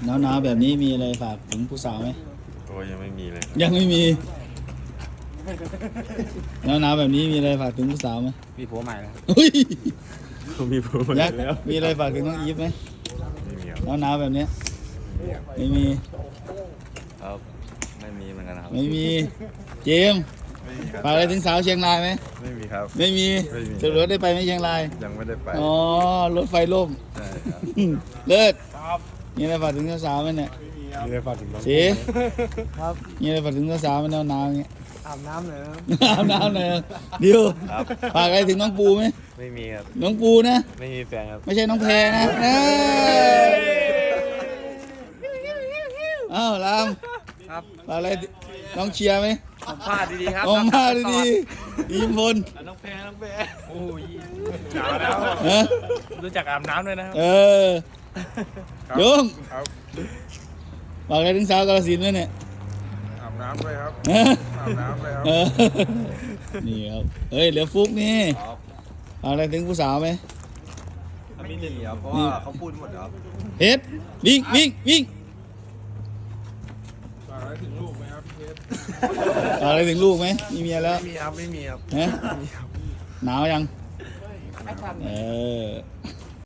หนาวแบบนี้มีอะไรฝากถึงผู้สาวไหมโอ้ยังไม่มีเลยยังไม่มีหนาวแบบนี้มีอะไรฝากถึงผู้สาวไหมมีผัวใหม่แล้วเฮ้ยมีผัวหมดยักษ์แล้วมีอะไรฝากถึงน้องอีฟไหมไม่มีครับหนาวแบบเนี้ยไม่มีครับไม่มีเหมือนกันครับไม่มีเจมส์ไม่มีครับฝากอะไรถึงสาวเชียงรายไหมไม่มีครับไม่มีไม่มีสรุปได้ไปไหมเชียงรายยังไม่ได้ไปอ๋อรถไฟล่มใช่ครับเลิศมีอะไรฝากถึงสาวไหมเนี่ยมีอะไรฝากถึงน้องสีครับมีอะไรฝากถึงสาวไหมหนาวๆอย่างเงี้ยอาบน้ำเลยครับอาบน้ำหน่อยดิวครับฝากอะไรถึงน้องปูไหมไม่มีครับน้องปูนะไม่มีแฟนครับไม่ใช่น้องแพรนะอ้าวรามครับฝากอะไรน้องเชียร์ไหมผมพลาดดีๆครับออกมาดีๆยิ้มบนน้องแพรโอ้ยหนาวแล้วฮะรู้จักอาบน้ำด้วยนะครับเออโยงครับฝากอะไรถึงสาวกาฬสินธุ์ไหมเนี่ยอาบน้ำด้วยครับฮะอาบน้ำด้วยครับเออนี่ครับเฮ้ยเหลือฟุกนี่ฝากอะไรถึงผู้สาวไหมไม่มีครับเพราะว่าเขาพูดหมดครับเฮ็ดวิ่งวิ่งวิ่งฝากอะไรถึงลูกไหมครับเพชรฝากอะไรถึงลูกไหมมีเมียแล้วไม่มีครับไม่มีครับฮะหนาวยังเออ